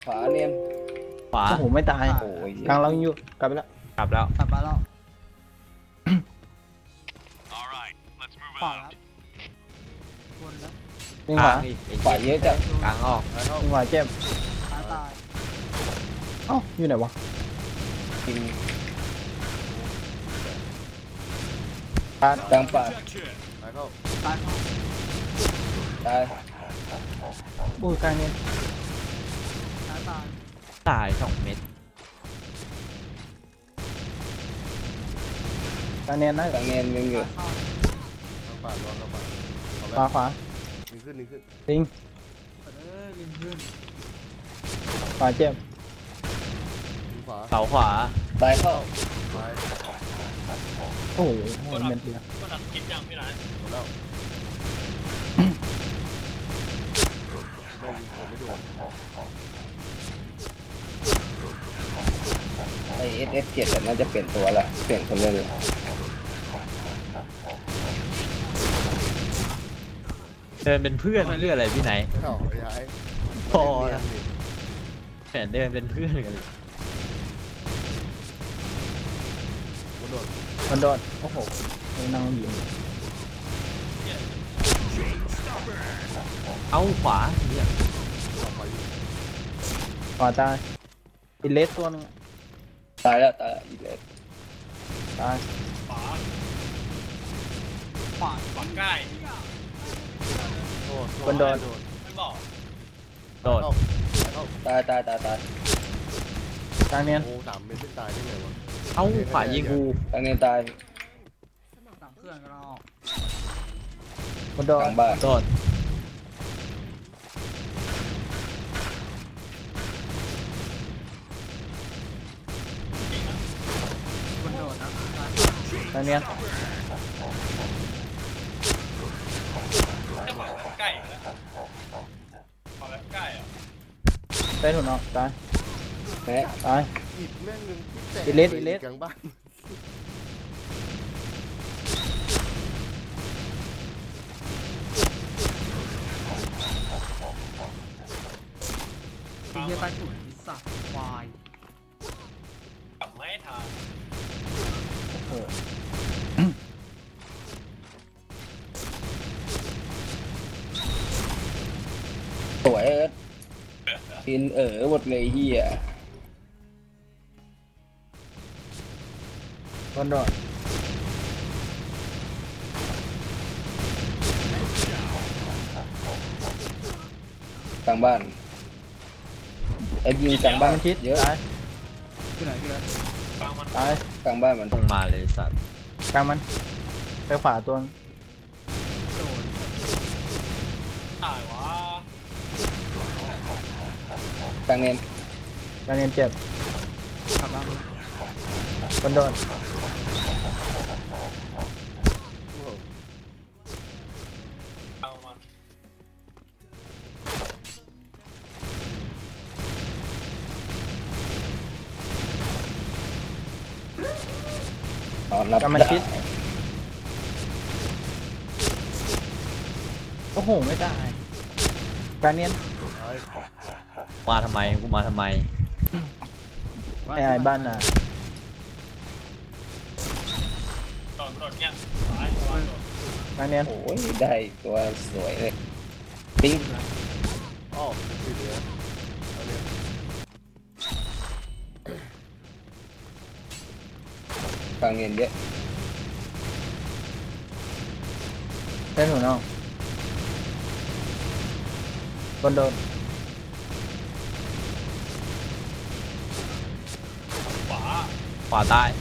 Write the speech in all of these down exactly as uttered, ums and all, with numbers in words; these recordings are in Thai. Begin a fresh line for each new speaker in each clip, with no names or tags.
ขวาเนียน
ขวา
โอ้โหไม่ตาย
โอ้ย
กลางเรายังอยู่กลับไปแล้ว
กลับแล้ว
กลับมาแล้วขวาแล้ววนแล้ว
ยิง
ก
ข
ลาง
วา
อีกไอ้
ขวาเยอะจัง
กลางออก
ยิงขวาเจ็บ
ซ้ายตาย
เอ้าอยู่ไหนวะ
จริง
ปาด
กลางป่า
ซ้ายเข้า
ตาย
อู้กลางเนี่ย
ซ้ายตาย
ตายสองเม็ด
กลางเนี่ยนะ
กลางเนียนยังอยู่
เข้า
ปาดรอเราปาด
ขวาขวา
ดึงขึ้นดึงขึ้น
ยิง
เออลิงขึ้น
ขวาเจ็บ
ดึงขวา
เสาขวา
ตายเข้า
ซ้าย
โอ้โหเม็ดเดียว
หมดแล้วไม่ยิงผมไม่โดน
ไอเอสเอสเจ็ดน่าจะเปลี่ยนตัวละเปลี่ยนคนเล่นละ
เดินเป็นเพื่อนเรื่องอะไรพี่ไหน
เอ้าย้าย
พอนะแผนเดินเป็นเพื่อนกันเลย
กระโดด
มันโดดโอ้โหไม่นั่งยิง
เอาขวาเนี่ย
ต่อไปอยู่
ขวาตายอิเลสตัวนึง
ตายแล้วตายแล้วอีกเลย
ตาย
ขวาฝั่งใกล้
โดด
คนโดน
โดด
ไม่บอก
โดด
เข้าเข้า
ตายตายตายตาย
กลางเนี่ย
โอ้สามเมตรไม่ตายได้ไงวะ
เอาขวายิงกู
กลางเนียนตาย
สามเพื่อนก็รอ
มันโด
ก
ด
ลางบ้าน
โดด
คนโดดนะ
กลางเนี่ย
ใกล้แล้วพอแล้วใกล้อ่ะ
ได้ถุนออกตาย
แม่
ตาย
อิดแม่งนึงที่แตก
อิเลสอิเลส
กลางบ้าน
ไอ้เหี้ยใต้ถุนนิสสัตว์ควายกลับไม่ทัน
โอ้โห
สวยเอิร์ธกินเอ๋อหมดเลยเฮีย
มันโดด
กลางบ้านไอ้ยิงกลางบ้าน
มันคิด
เยอะ
ตาย
ที่ไหนที่ไหน
ตาย
กลางบ้านมัน
ตรงมาเลยสัตว์
กลางมันไปขวาตัว
โดนตายวะ
กลางเนียน
กลางเนี่ยเจ็บ
กลับมา
มันโดด
โอ้โห
เอามา
อ๋อนับ
กลางมัน
ได้
คิดโอ้โหไม่ตายกลางเนี่ย
ซ้าย
มาทำไมกูมาทำไม
ไอ้ไอ้บ้านน่ะ
โดนโดนเนี่ยซ้าย
กลางเนี่ย
โอ้ยได้ตัวสวยเลยปิ๊ง
อ้อติดเหลือเอาเนี่ย
กลางเนียนเยอะ
ได้ถุนออกมันโดด
ขวา
ขวาตาย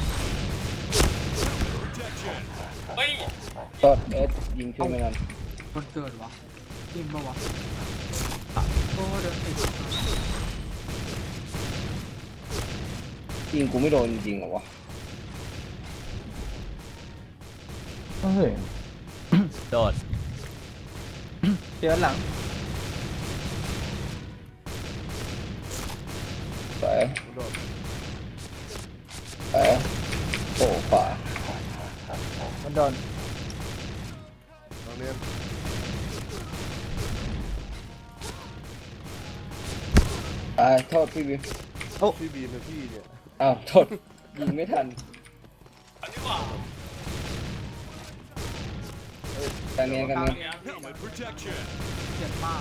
เฮ้ย
โทษเอิร์ธยิงช่วยไม่ทัน
คนเกิดวะจริงปะวะโอ้เดินติด
ยิงกูไม่โดนจริงๆเหรอวะ
เฮ้ย
โดด
เดี๋ยวหลัง
สวย
กระโดด
สวยโอ้ขวา
มันโดน
ตรงเนี้ย
ตายโทษพี่วิว
พี่บีมเป็นพี่เนี่ย
อ้าวโทษยิงไม่ทัน
อันนี้ว่า
กลางเนียนกลาง
กลาง
เนียน
เนี้ยเจ็บมาก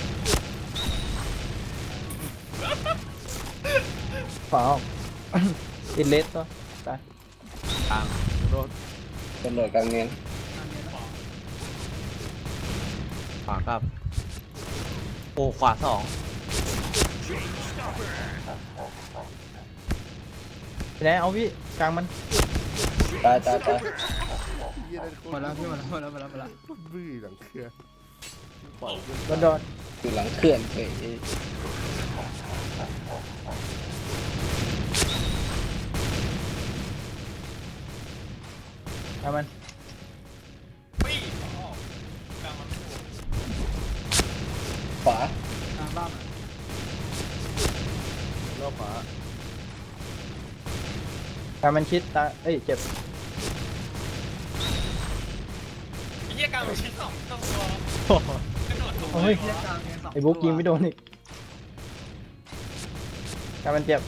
ขวาออก อินเลสตัวตาย
กลาง
โดน
ตำรวจกลางเนียน
กลางเนี้ยนะ
ขวาครับโอ้ขวาสอง
ไปไหนเอาพี่กลางมัน
ตายตายตาย
เยี่ยนั่นโค
หม
ต
ด
ร
แล้วพี่หมดแล้วหมดแล้วหมดแล้วหมดแล้ว
บื้อหลังเครือปล่อยเพื่อน
บนโดน
อยู่หลังเขื่อนเฉย
เอามัน
ปี้อ๋อกลางมัน
ขวาก
ลางบ้านอะ
รอบขวาก
ลางมันชิดตายเอ้ยเจ็บ
ไอ้เหี้ยกลางมันชิ้นสองต้องตัวกระโดดถูก
โอ้ย
เรียกกลางเนี้ยสอง
ไอ้บุ๊กยิงไม่โดนอีกกลางมันเจ็บ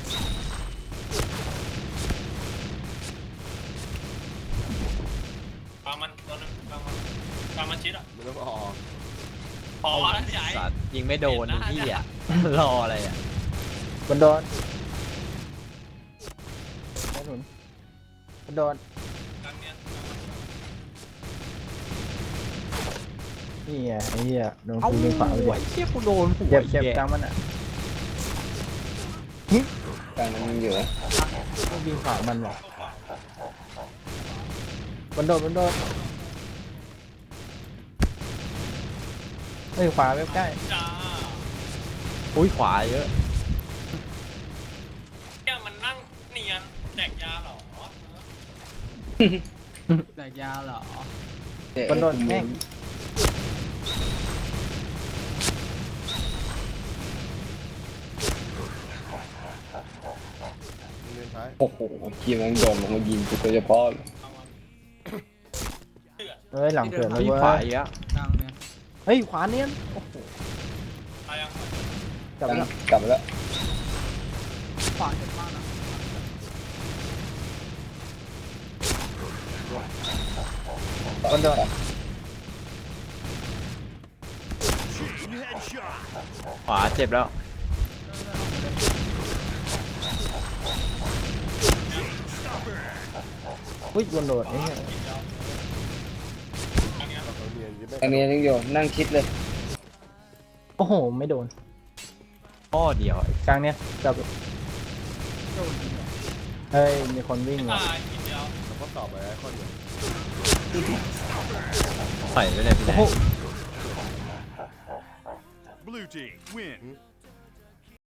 กลางมันตัวนึงกลางมันกลางมันชิ้นอ่ะ
มันต้องออก
พอแล้วใหญ่
สัตว์ยิงไม่โดนไอ้ที่อ่ะ รออะไรอ่ะ
บนโดนกระสุนบนโดน
กลางเนี้ย
นี่ไงไอ้เหี้ยโดน
เอ้า
กูยิงขวาไป
ไอ้
เจ็บ
เชี่ยกูโดนหัว
เจ็บเจ็บ
แย่
กลางมันอ่ะ
กลางมันอยู่นะ
กูยิงขวามันหรอกบนโดนบนโดนเฮ้ยขวาเว็บใกล้
จ้า
อุ้ยขวาเยอะ
เนี่ยมันนั่งเนียนแดกยาเหรอ
แตกยาเหรอ
บนโดนแม่ง
เล่นท้าย
โอ้โหทีมนั้นโดนลงมายิงกูโดยเฉพาะเลย
เฮ้ยหลังเกิดแล้ว
อุ้ย
เว้
ขวาย เยอะ
กลางเนี้ย
เฮ้ยขวาเนียนโอ้โห
ตายยัง
กลับ
กลาง
แล้ว
กลับมาแล้ว
ขวาเจ็บมากนะ
บนโดน
ขวาเจ็บแล้ว
อุ้ยบนโดนไอ้เหี้ย
เราเรียนยังไม่
กลางเนียนยังอยู่นั่งชิดเลย
โอ้โหไม่โดน
ข้อเดียวไอ้
กลางเนี้ยกลับ
โดนยิงเหรอ
เฮ้ยมีคนวิ่งว่ะ
ตายทีเดียว
เราก็ตอบไปข้อเดียว
ใส่ไว้เลยพี่แด
โอ้
ง
โห
Blue team win.